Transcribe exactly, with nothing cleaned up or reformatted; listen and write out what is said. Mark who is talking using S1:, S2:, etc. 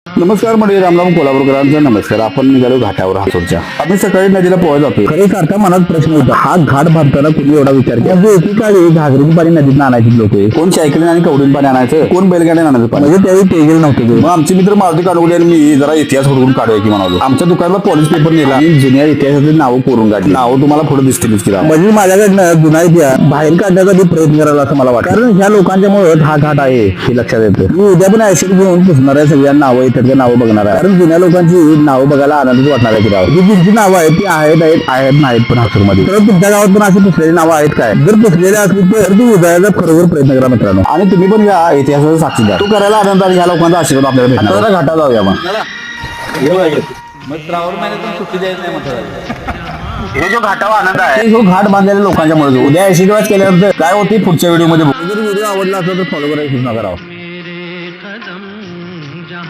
S1: नमस्कार मंडळी, रामराम कोल्हापूरकरांचा नमस्कार. आपण निघालो घाटावर हातोरच्या. आम्ही सकाळी नदीला पोहायला जातोय. खरे सारखा मनात प्रश्न होता, हा घाट भरताना कुणी एवढा विचार केला? म्हणजे एकीकाळी घागरीन पाणी नदीत आणायची लोक, कोण सायकलीने आणि कवडीन पाणी आणायचं, कोण बैलगाड्याने आणायचं पाणी. म्हणजे त्यावेळी टेगेल नव्हतं. मग आमचे मित्र मारुती काढवले आणि मी जरा इतिहास हुडकून काढूया की म्हणालो. आमच्या दुकानाला पॉलिश पेपर नेला आणि जुन्या इतिहासाचे नावं कोरून काढली. नावं तुम्हाला पुढे दिसतीलच की. म्हणजे माझ्याकडनं जुना इतिहास बाहेर काढण्याचा मी प्रयत्न करायला असं मला वाटतं, कारण ह्या लोकांच्यामुळे हा घाट आहे हे लक्षात येतं. मी उद्या पण ऍसिड घेऊन पुसणाऱ्या सगळ्या नावं इतर नावं बघणार आहे, कारण जुन्या लोकांची नावं बघायला आनंदच वाटणार आहे की राव. जी जी नावं आहेत ती आहेत आहेत आहेत नाहीत पण हासूरमध्ये. तर तुमच्या गावात पण अशी पुसलेली नावं आहेत काय? जर पुसलेले असली तर ती उदयाचा खरोखर प्रयत्न करा मित्रांनो, आणि तुम्ही पण या इतिहासाचा साक्षीदार. तो करायला आनंद आणि ह्या लोकांचा आशीर्वाद आपल्याला भेटणार. आता घाटा जाऊया मग.
S2: श्रावण महिन्यातून सुट्टी द्यायची नाही म्हटलं.
S1: हे जो घाटावा आनंद आहे, जो घाट बांधलेल्या लोकांच्यामुळे उद्या आशीर्वाद केल्यानंतर काय होते पुढच्या व्हिडिओ मध्ये. जर व्हिडिओ आवडला असेल तर फॉलो करायला विसरू नका राव.